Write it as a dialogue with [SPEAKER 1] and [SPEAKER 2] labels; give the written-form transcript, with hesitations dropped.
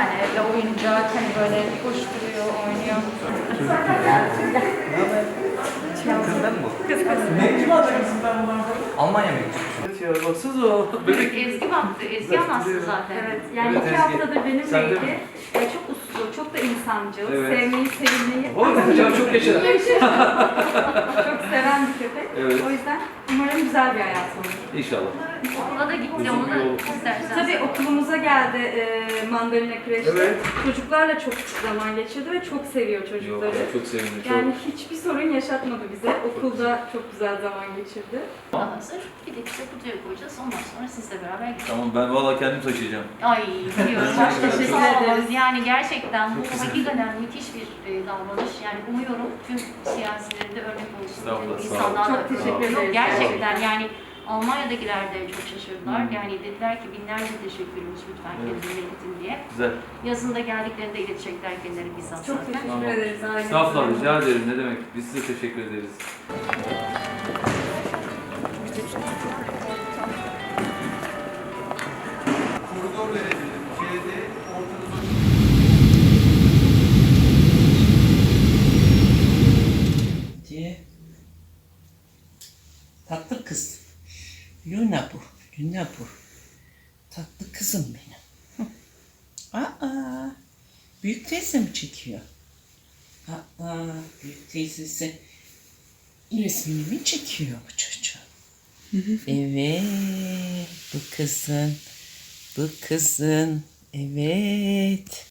[SPEAKER 1] yani evde oyuncak, hani böyle koşturuyor, oynuyor.
[SPEAKER 2] Kızdan mı?
[SPEAKER 3] Mektup atacaksın ben bundan sonra.
[SPEAKER 2] Almanya mektubu.
[SPEAKER 3] Evet ya baksanıza o bebek.
[SPEAKER 4] Ezgi baktı. Ezgi anlattı zaten.
[SPEAKER 1] Evet, yani
[SPEAKER 3] Evet,
[SPEAKER 1] 2
[SPEAKER 3] Ezgi.
[SPEAKER 1] haftadır
[SPEAKER 3] Sen de
[SPEAKER 1] benimleydi.
[SPEAKER 3] mi?
[SPEAKER 1] Çok uslu, çok da insancıl,
[SPEAKER 3] Evet.
[SPEAKER 1] sevmeyi, sevilmeyi
[SPEAKER 3] Oğlum hocam çok yaşa.
[SPEAKER 1] çok seven bir köpek.
[SPEAKER 3] Evet.
[SPEAKER 1] O yüzden umarım güzel bir hayat olur.
[SPEAKER 3] İnşallah.
[SPEAKER 4] Okula da gitti.
[SPEAKER 3] Uzun
[SPEAKER 4] Onu
[SPEAKER 3] bir yol.
[SPEAKER 4] da istersen.
[SPEAKER 1] Tabii okulumuza geldi mandalina kreşte.
[SPEAKER 3] Evet.
[SPEAKER 1] Çocuklarla çok zaman geçirdi ve çok seviyor
[SPEAKER 3] Yok
[SPEAKER 1] çocukları.
[SPEAKER 3] ya çok sevindim. Çok.
[SPEAKER 1] Yani hiçbir sorun yaşatmadı bize. Okulda çok güzel zaman geçirdi.
[SPEAKER 4] Hazır. Bir de bize kutuya koyacağız. Ondan sonra sizle beraber gideceğiz.
[SPEAKER 3] Tamam ben valla kendim taşıyacağım.
[SPEAKER 4] Ay biliyorum.
[SPEAKER 1] Çok teşekkür
[SPEAKER 4] Sağ olun.
[SPEAKER 1] ederiz.
[SPEAKER 4] Yani gerçekten bu hakikaten müthiş bir davranış. Yani umuyorum tüm siyasilerde örnek olsun.
[SPEAKER 3] Estağfurullah, sağ olun.
[SPEAKER 4] İnsanlar
[SPEAKER 1] Çok
[SPEAKER 4] da-
[SPEAKER 1] teşekkür
[SPEAKER 4] Yok,
[SPEAKER 1] ederiz.
[SPEAKER 4] gerçekten yani Almanya'dakiler de çok şaşırdılar. Yani dediler ki binlerce teşekkürümüz lütfen
[SPEAKER 3] Evet.
[SPEAKER 4] kendinize iletin diye.
[SPEAKER 3] Güzel.
[SPEAKER 4] Yazında geldiklerinde iletecekler kendileri bizzat
[SPEAKER 1] Çok
[SPEAKER 4] zaten.
[SPEAKER 1] teşekkür
[SPEAKER 3] Tamam.
[SPEAKER 1] ederiz. ailemize.
[SPEAKER 3] Estağfurullah rica ederim ne demek. Biz size teşekkür ederiz. Koridor verebilirim. Şeyde ortada
[SPEAKER 5] diye. Tatlı kız. Luna bu. Luna bu. Tatlı kızım benim. Hı. Aa, büyük teyze mi çekiyor? Aa, büyük teyzesi resmini mi çekiyor bu çocuğun? Evet, bu kızın. Bu kızın. Evet.